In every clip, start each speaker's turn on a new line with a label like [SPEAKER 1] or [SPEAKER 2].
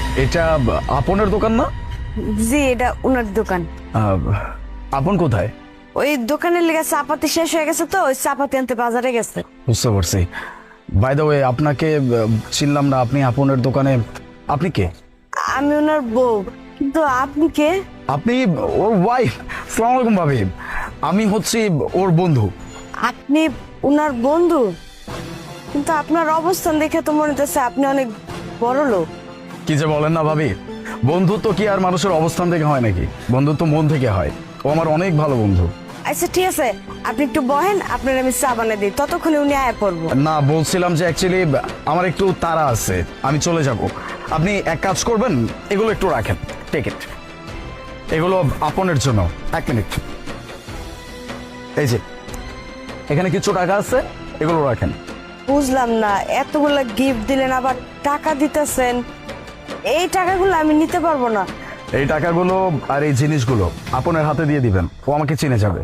[SPEAKER 1] এটা আপনের দোকান না?
[SPEAKER 2] জি, এটা ওনার দোকান।
[SPEAKER 1] আপন কোথায়?
[SPEAKER 2] ওই দোকানের লেগে চাপাতি শেষ হয়ে গেছে তো ওই চাপাতি আনতে বাজারে গেছে।
[SPEAKER 1] বুঝতে পারছি। বাই দ্য ওয়ে, আপনাকে চিনলাম না। আপনি আপনের দোকানে, আপনি কে?
[SPEAKER 2] আমি ওনার বউ। কিন্তু আপনি কে?
[SPEAKER 1] আপনি ওর ওয়াইফ। আসসালামু আলাইকুম ভাবি, আমি হচ্ছি ওর বন্ধু।
[SPEAKER 2] আপনি ওনার বন্ধু? কিন্তু আপনার অবস্থান দেখে তো মনে হচ্ছে আপনি অনেক বড় লোক।
[SPEAKER 1] কি যে বলেন না ভাবি, বন্ধুত্ব কি আর মানুষের অবস্থান থেকে হয় নাকি? বন্ধুত্ব মন থেকে হয়। ও আমার অনেক ভালো বন্ধু।
[SPEAKER 2] আচ্ছা ঠিক আছে, আপনি একটু বহেন, আপনার আমি চা বানিয়ে দিই, ততক্ষণে উনি আয়া পড়বো।
[SPEAKER 1] না, বলছিলাম যে অ্যাকচুয়ালি আমার একটু তাড়া আছে, আমি চলে যাব। আপনি এক কাজ করবেন, এগুলো একটু রাখেন। টেক ইট, এগুলো আপনের জন্য। এক মিনিট, এই যে এখানে কিছু টাকা আছে, এগুলো রাখেন।
[SPEAKER 2] বুঝলাম না, এতগুলা গিফট দিলেন আবার টাকা দিতেছেন, এই টাকাগুলো আমি নিতে পারবো না।
[SPEAKER 1] এই টাকাগুলো আর এই জিনিসগুলো আপনের হাতে দিয়ে দিবেন, ও আমাকে চিনে যাবে।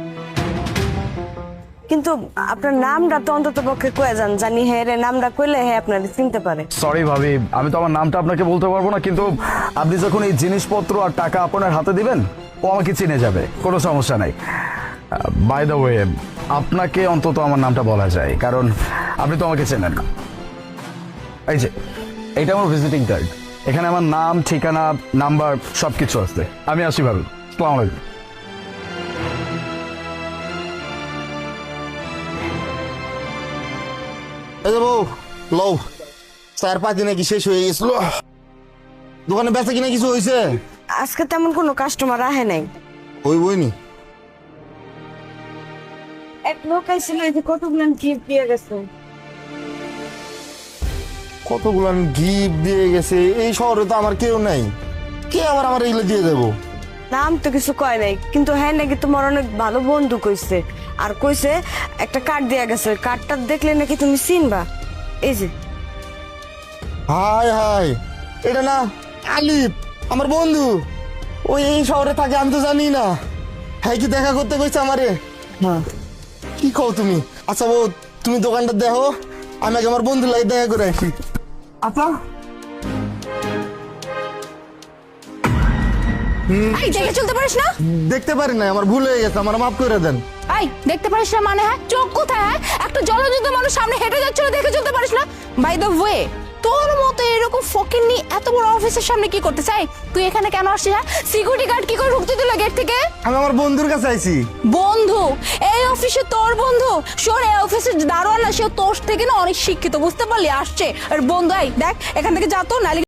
[SPEAKER 2] কিন্তু আপনার নামটা তো অন্তত পক্ষে কয়ে যান, জানি হ্যাঁ রে নামটা কইলে হ্যাঁ আপনার চিনতে পারে।
[SPEAKER 1] সরি ভাবি, আমি তো আমার নামটা আপনাকে বলতে পারবো না, কিন্তু আপনি যখন এই জিনিসপত্র আর টাকা আপনার হাতে দিবেন, ও আমাকে চিনে যাবে, কোনো সমস্যা নাই। বাই দ্য ওয়ে, আপনাকে অন্তত আমার নামটা বলা যায়, কারণ আপনি তো আমাকে চেনেন না। এই যে এইটা আমার ভিজিটিং কার্ড, এখানে আমার নাম, ঠিকানা, নাম্বার সব কিছু আছে। আমি আসি ভাবি, আসসালামু আলাইকুম।
[SPEAKER 3] এই যে বউ, লও 4-5 দিনে কি শেষ হয়ে গেছিল? দোকানে বেচা কিনা কিছু হয়েছে?
[SPEAKER 2] আজকে তেমন কোনো কাস্টমার আহে নাই।
[SPEAKER 3] ওই বইনি
[SPEAKER 2] এক লোক আইছিল, এই যে কতগুলো গিফট দিয়ে গেছে।
[SPEAKER 3] কতগুলো গিফট দিয়ে গেছে। এই শহরে তো আমার কেউ নাই, কে আবার আমার এগুলো দিয়ে দেবো?
[SPEAKER 2] নাম তো কিছু কয় নাই, কিন্তু হ্যাঁ নাকি তোমার অনেক ভালো বন্ধু কইছে। আর কইছে একটা কার্ড দেয়া গেছে, ওই কার্ডটা দেখলে নাকি তুমি চিনবা। এই যে
[SPEAKER 3] হাই হাই, এটা না আলিফ, আমার বন্ধু। ওই এই শহরে থাকে, আমি তো জানি না। হ্যাঁ, কি দেখা করতে কইছে আমারে?
[SPEAKER 2] হ্যাঁ।
[SPEAKER 3] কি কও তুমি? আচ্ছা বউ, তুমি দোকানটা দেখো, আমি আগে আমার বন্ধুর লাগে দেখা করে আসি। আচ্ছা।
[SPEAKER 4] এই দেখে চলতে পারিস না?
[SPEAKER 3] দেখতে পারি না, আমার ভুল হয়ে গেছে, আমার মাফ করে দেন।
[SPEAKER 4] এই দেখতে পারিস না মানে? হ্যাঁ, চোখ কোথায়? হ্যাঁ, একটা জলযুদ্ধ মানুষ সামনে হেঁটে যাচ্ছিল, দেখে চলতে পারিস না? বাই দ্য ওয়ে, তোর মতো এরকম ফকিন্নি এত বড় অফিসের সামনে কি করতে চাই? তুই এখানে কেন আসছিস? হ্যাঁ, সিকিউরিটি গার্ড কি করে ঢুকতে দিল গেট থেকে?
[SPEAKER 3] আমি আমার বন্ধুর কাছে আইছি।
[SPEAKER 4] বন্ধু? এই অফিসে তোর বন্ধু? শোন, এই অফিসের দারোয়ান না, সে তোর থেকে না অনেক শিক্ষিত, বুঝতে পারলি? আসছে আর বন্ধু। এই দেখ, এখান থেকে যা তো, নালি